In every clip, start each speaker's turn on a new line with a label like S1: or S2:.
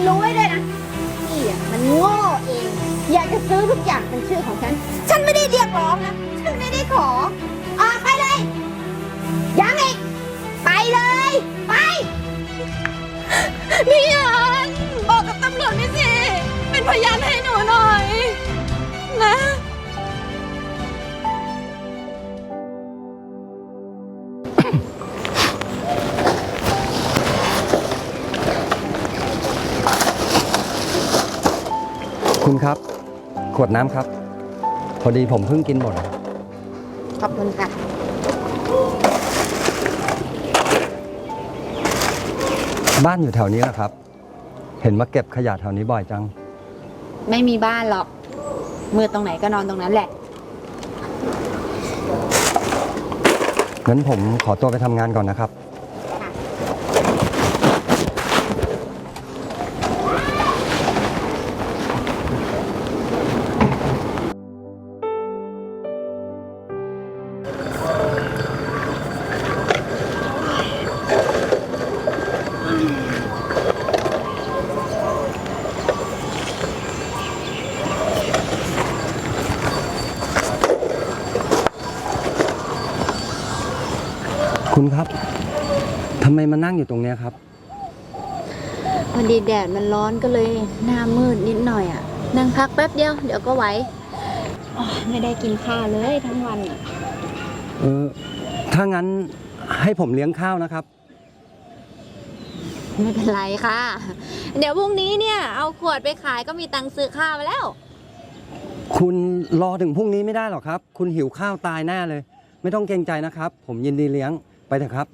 S1: รู้ไว้ด้วยนะพี่อ่ะมันโง่เองอยากจะซื้อทุกอย่างเป็นชื่อของฉันฉันไม่ได้เรียกร้องนะฉันไม่ได้ขอออกไปเลยยังอีกไปเลยไปพี่อันบอกกับตำรวจไม่สิเป็นพยานให้หนูหน่อยนะ
S2: คุณครับขวดน้ำครับพอดีผมเพิ่งกินหมด
S1: ขอบคุณค่ะ
S2: บ้านอยู่แถวนี้แหละครับเห็นมาเก็บขยะแถวนี้บ่อยจัง
S1: ไม่มีบ้านหรอกมือตรงไหนก็นอนตรงนั้นแหละ
S2: งั้นผมขอตัวไปทำงานก่อนนะครับคุณครับทำไมมานั่งอยู่ตรงนี้ครับ
S1: พอดีแดดมันร้อนก็เลยหน้ามืดนิดหน่อยอ่ะนั่งพักแป๊บเดียวเดี๋ยวก็ไหวไม่ได้กินข้าวเลยทั้งวันอ่ะ
S2: ถ้างั้นให้ผมเลี้ยงข้าวนะครับ
S1: ไม่เป็นไรค่ะเดี๋ยวพรุ่งนี้เนี่ยเอาขวดไปขายก็มีตังค์ซื้อข้าวแล้ว
S2: คุณรอถึงพรุ่งนี้ไม่ได้หรอกครับคุณหิวข้าวตายแน่เลยไม่ต้องเกรงใจนะครับผมยินดีเลี้ยงไปเถอะครับ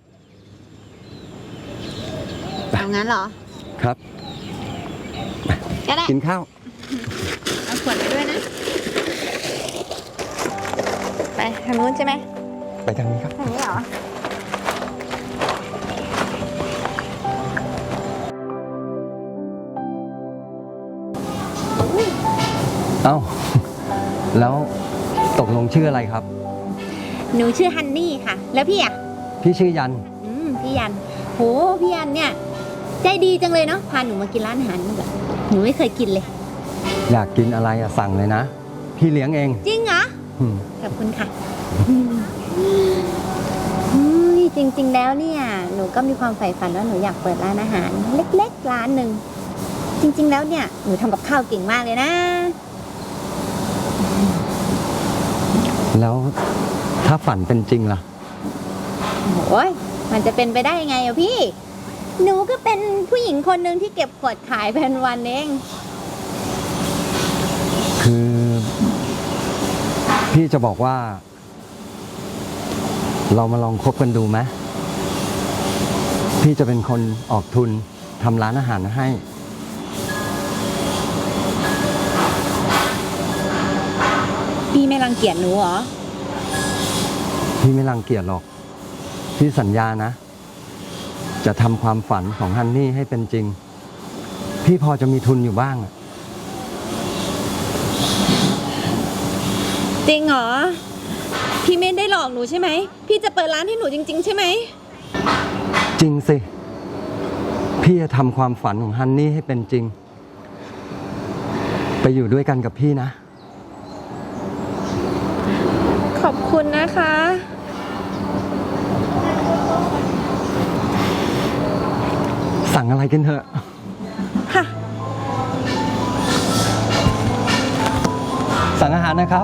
S1: เอางั้นเหรอ
S2: ครับ
S1: ก็ได้
S2: กินข้าว
S1: เอาขวดไปด้วยนะไปทางนู้นใช่ไหม
S2: ไปทางนี้ครับ
S1: ทางนี้เหรอ
S2: เอ้าแล้วตกลงชื่ออะไรครับ
S1: หนูชื่อฮันนี่ค่ะแล้วพี่อ่ะ
S2: พี่ชื่อยัน
S1: พี่ยันโหพี่ยันเนี่ยใจดีจังเลยเนาะพาหนูมากินร้านอาหารแบบหนูไม่เคยกินเลย
S2: อยากกินอะไรอะสั่งเลยนะพี่เลี้ยงเอง
S1: จริงเหรอขอบคุณค่ะจริงๆแล้วเนี่ยหนูก็มีความใฝ่ฝันว่าหนูอยากเปิดร้านอาหารเล็กๆร้านหนึ่งจริงๆแล้วเนี่ยหนูทำกับข้าวเก่งมากเลยนะ
S2: แล้วถ้าฝันเป็นจริงล่ะ
S1: โอ้ยมันจะเป็นไปได้ยังไงอะพี่หนูก็เป็นผู้หญิงคนหนึ่งที่เก็บขวดขายเป็นวันเอง
S2: คือพี่จะบอกว่าเรามาลองคบกันดูไหมพี่จะเป็นคนออกทุนทำร้านอาหารให้
S1: พี่ไม่รังเกียจหนูเหรอ
S2: พี่ไม่รังเกียจหรอกพี่สัญญานะจะทำความฝันของฮันนี่ให้เป็นจริงพี่พอจะมีทุนอยู่บ้าง
S1: จริงเหรอพี่ไม่ได้หลอกหนูใช่ไหมพี่จะเปิดร้านให้หนูจริงๆใช่ไหม
S2: จริงสิพี่จะทำความฝันของฮันนี่ให้เป็นจริงไปอยู่ด้วยกันกับพี่นะ
S1: ขอบคุณนะคะ
S2: สั่งอะไรกันเถอะ
S1: ค่ะ
S2: สั่งอาหารนะครับ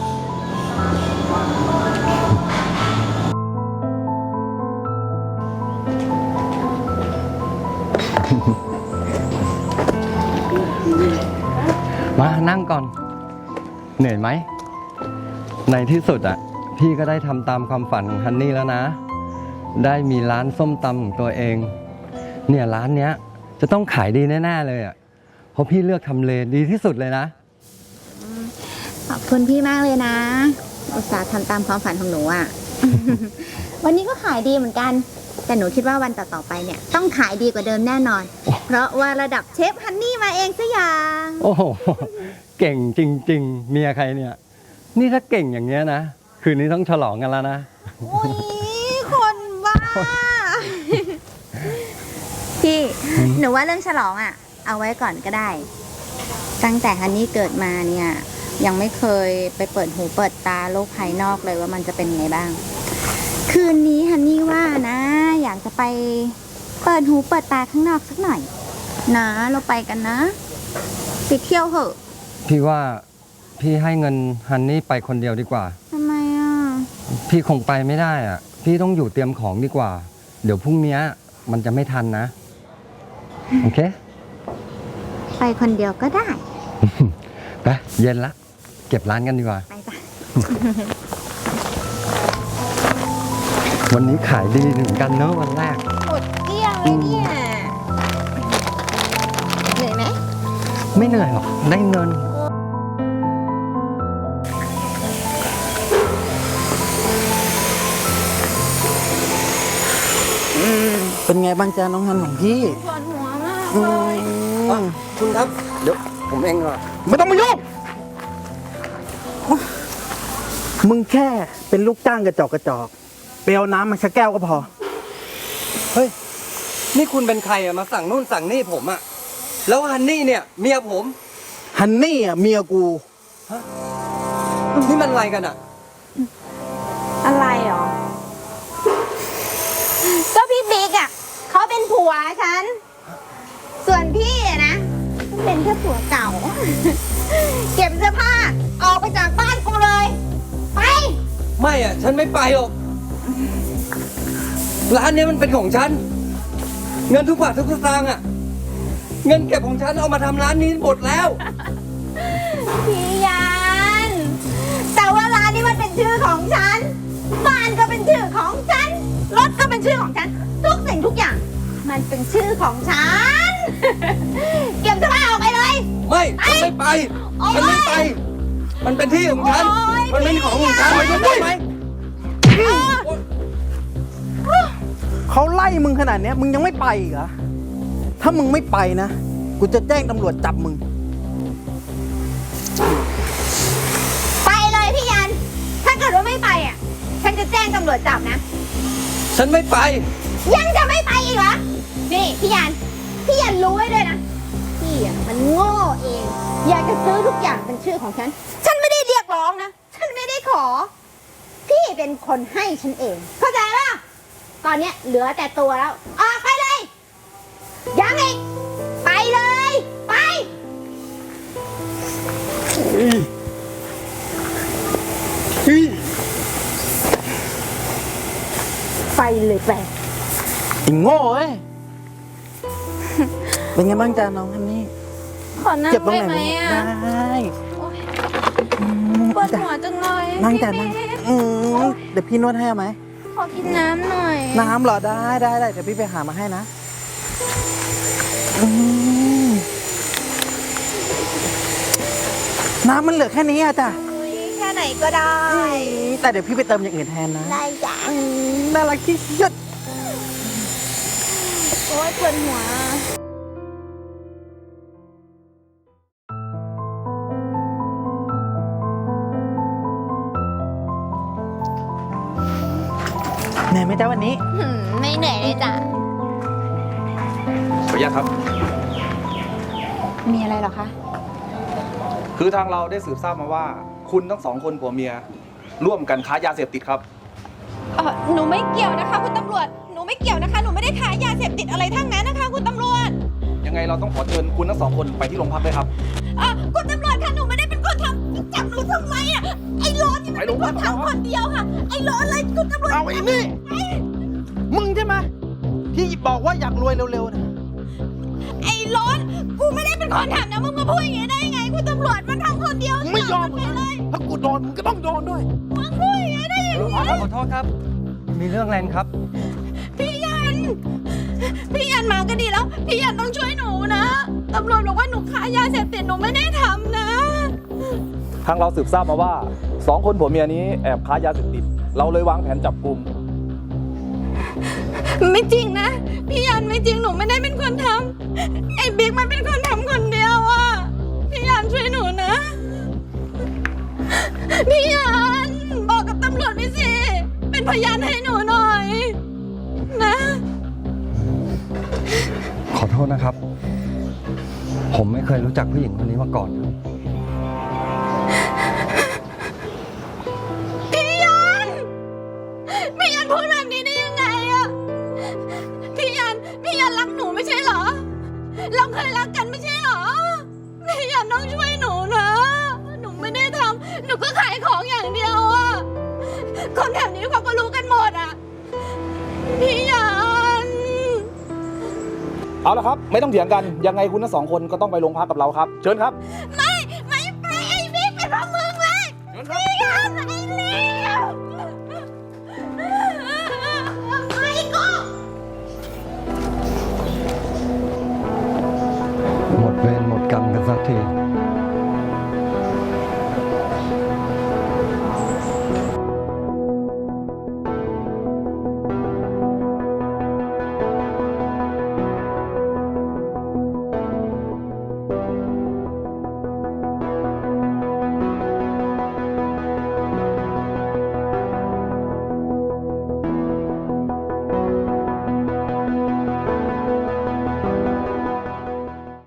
S2: มานั่งก่อนเหนื่อยไหมในที่สุดอ่ะพี่ก็ได้ทำตามความฝันของฮันนี่แล้วนะได้มีร้านส้มตำของตัวเองเนี่ยร้านเนี้ยจะต้องขายดีแน่ๆเลยอ่ะเพราะพี่เลือกทำเลดีที่สุดเลยนะ
S1: ขอบคุณพี่มากเลยนะอุตส่าห์ทำตามความฝันของหนูอ่ะ วันนี้ก็ขายดีเหมือนกันแต่หนูคิดว่าวันต่อๆไปเนี่ยต้องขายดีกว่าเดิมแน่นอนเพราะว่าระดับเชฟฮันนี่มาเองซะอย่าง
S2: โอ้โหเก่งจริงๆเมียใครเนี่ยนี่ถ้าเก่งอย่างเงี้ยนะคืนนี้ต้องฉลองกันแล้วนะ
S1: โอ้ยคนบ้าพี่หนูว่าเรื่องฉลองอ่ะเอาไว้ก่อนก็ได้ ตั้งแต่ฮันนี่เกิดมาเนี่ยยังไม่เคยไปเปิดหูเปิดตาโลกภายนอกเลยว่ามันจะเป็นไงบ้าง คืนนี้ฮันนี่ว่านะ อยากจะไปเปิดหูเปิดตาข้างนอกสักหน่อยนะเราไปกันนะไปเที่ยวเหอะ
S2: พี่ว่าพี่ให้เงินฮันนี่ไปคนเดียวดีกว่า
S1: ทำไมอ่ะ
S2: พี่คงไปไม่ได้อ่ะ พี่ต้องอยู่เตรียมของดีกว่า เดี๋ยวพรุ่งนี้มันจะไม่ทันนะ โอเค
S1: ไปคนเดียวก็ได้
S2: ไปเย็นละ เก็บร้านกันดีกว่า
S1: ไปจ้ะ
S2: วันนี้ขายดีเหมือนกันเนอะวันแรก
S1: หมดเกลี้ยงเลยเนี่ยเหนื่อยไหม
S2: ไม่เหนื่อยหรอก ได้เงิน
S3: เป็นไงบ้างจ๊ะน้องฮันของพี่
S1: ปวดหัวมาก
S3: อื
S1: เลย
S3: ม
S2: คุณครับ เดี๋ยวผมเองอ่ะ
S3: ไม่ต้องมายุ่งมึงแค่เป็นลูกจ้างกระจอกไปเอาน้ำมาชักแก้วก็พอ
S2: เฮ้ย นี่คุณเป็นใครอะมาสั่งนู่นสั่งนี่ผมอะแล้วฮันนี่เนี่ยเมียผม
S3: ฮันนี่อ่ะเมียกู
S2: นี่มันอะไรกันอะ
S1: อะไรหรอ ก็พี่บิ๊กอ่ะเขาเป็นผัวฉัน ส่วนพี่อะนะเป็นแค่ผัวเก่า เก็บเสื้อผ้าออกไปจากบ้านกูเลย ไป
S2: ไม่อะฉันไม่ไปหรอก ร้านเนี้ยมันเป็นของฉัน เงินทุกบาททุกสตางค์อะเงินเก็บของฉันเอามาทำร้านนี้หมดแล้ว
S1: พี่ยัน แต่ว่าร้านนี้มันเป็นชื่อของฉัน บ้านก็เป็นชื่อของฉัน รถก็เป็นชื่อของฉัน ทุกสิ่งทุกอย่าง มันเป็นชื่อของฉัน เก็บเสื้อผ้าออกไปเลย
S2: ไม่ฉันไม่ไป
S1: โอ๊ย
S2: ฉันไม่ไป มันเป็นที่ของฉัน
S1: โอ๊ย
S2: มันเป็นของของฉัน
S1: พี่
S2: ไม่ได้ไหม
S3: เขาไล่มึงขนาดเนี้ยมึงยังไม่ไปอีกเหรอ ถ้ามึงไม่ไปนะ กูจะแจ้งตำรวจจับมึง
S1: ไปเลยพี่ยัน ถ้าเกิดว่าไม่ไปอ่ะ ฉันจะแจ้งตำรวจจับนะ
S2: ฉันไม่ไป
S1: ยังจะไม่ไปอีกเหรอ นี่พี่ยัน พี่ยันรู้ไว้ด้วยนะ พี่อ่ะมันโง่เอง อยากจะซื้อทุกอย่างเป็นชื่อของฉัน ฉันไม่ได้เรียกร้องนะ ฉันไม่ได้ขอ พี่เป็นคนให้ฉันเอง เข้าใจป่ะ ตอนเนี้ยเหลือแต่ตัวแล้ว ออกไปเลย ยังอีก ไปเลย ไป ไปเลยไป
S3: ไอ้โง่เอ้ย เป็นไงบ้างจ๊ะน้องฮันนี่
S1: ขอนั่ง
S3: เจ็บตรง
S1: ได้
S3: ไหน
S1: ไหมอ่ะ
S3: ได้
S1: โอ๊ย
S3: อืม
S1: ปวด
S3: จ้ะ
S1: หัวจังเลย
S3: นั่งจ้ะ
S1: พี่
S3: นั่ง
S1: เมย์
S3: เดี๋ยวพี่นวดให้เอาไหม
S1: ขอกินน้ำหน่อย
S3: น้ำเหรอได้เดี๋ยวพี่ไปหามาให้นะอืมน้ำมันเหลือแค่นี้อะจ้ะ
S1: อุ๊ยแค่ไหนก็ได้
S3: แต่เดี๋ยวพี่ไปเติมอย่างอื่นแทนนะ
S1: ได้จ้ะ
S3: น่ารักที่สุด
S1: โอ๊ยปวดหัว
S3: เหนื่อยไหมจ๊ะวันนี้
S1: ไม่เหนื่อยเลยจ้ะ
S4: ขออนุญาตครับ
S1: มีอะไรหรอคะ
S4: คือทางเราได้สืบทราบมาว่า คุณทั้งสองคนผัวเมีย ร่วมกันค้ายาเสพติดครับ
S5: หนูไม่เกี่ยวนะคะคุณตำรวจ หนูไม่เกี่ยวนะคะ หนูไม่ได้ขายยาเสพติดอะไรทั้งนั้นนะคะคุณตำรวจ
S4: ยังไงเราต้องขอเชิญคุณทั้งสองคนไปที่โรงพักด้วยครับ
S5: คุณตำรวจคะหนูไม่ได้เป็นคนทำจับหนูทำไมอ่ะ ไอ้โรนนี่มันเป็นคนทำคนเดียวค่ะ ไอ้โรนเลยคุณตำรวจ
S3: เอาไอ้นี่ มึงใช่ไหมที่บอกว่าอยากรวยเร็วๆนะ
S5: ไอ้โรนกูไม่ได้เป็นคนทำนะมึงมาพูดอย่างนี้ได้ยังไง คุณตำรวจมันทำคนเดียว
S3: มึงไม่ยอม
S5: ไปเลย
S3: ถ้ากูโดนมึงก็ต้องโดนด้วย
S5: มึงพูดอย่างนี้ได้ยังไง
S2: ขอโทษครับ มีเรื่องอะไรครับ
S5: พี่ยัน พี่ยันมาก็ดีแล้ว พี่ยันต้องช่วยหนูนะตำรวจบอกว่าหนูขายยาเสพติดหนูไม่ได้ทำนะ
S4: ทางเราสืบทราบมาว่าสองคนผัวเมียนี้แอบค้ายาเสพติด เราเลยวางแผนจับกลุ่ม
S5: ไม่จริงนะ พี่ยันไม่จริงหนูไม่ได้เป็นคนทำไอ้บิ๊กมันเป็นคนทำคนเดียวอ่ะพี่ยันช่วยหนูนะ พี่ยันบอกกับตำรวจไปสิเป็นพยานให้หนูหน่อย นะ
S2: ขอโทษนะครับผมไม่เคยรู้จักผู้หญิงคนนี้มาก่อนครับ
S5: พี่ยันพูดแบบนี้ได้ยังไงอะพี่ยันรักหนูไม่ใช่เหรอ เราเคยรักกันไม่ใช่เหรอ พี่ยันต้องช่วยหนูนะ หนูไม่ได้ทำหนูก็ขายของอย่างเดียวอะคนแถวนี้เขาก็รู้กันหมดอะพี่ยัน
S4: เอาละครับ ไม่ต้องเถียงกัน ยังไงคุณทั้งสองคนก็ต้องไปโรงพักกับเราครับ เชิญครับ
S5: ไม่ไปไอ้บิ๊กเป็นเพราะมึงเลยพี่ยันไอ้เลวไม่ก็
S2: หมดเวรหมดกรรมกันสักที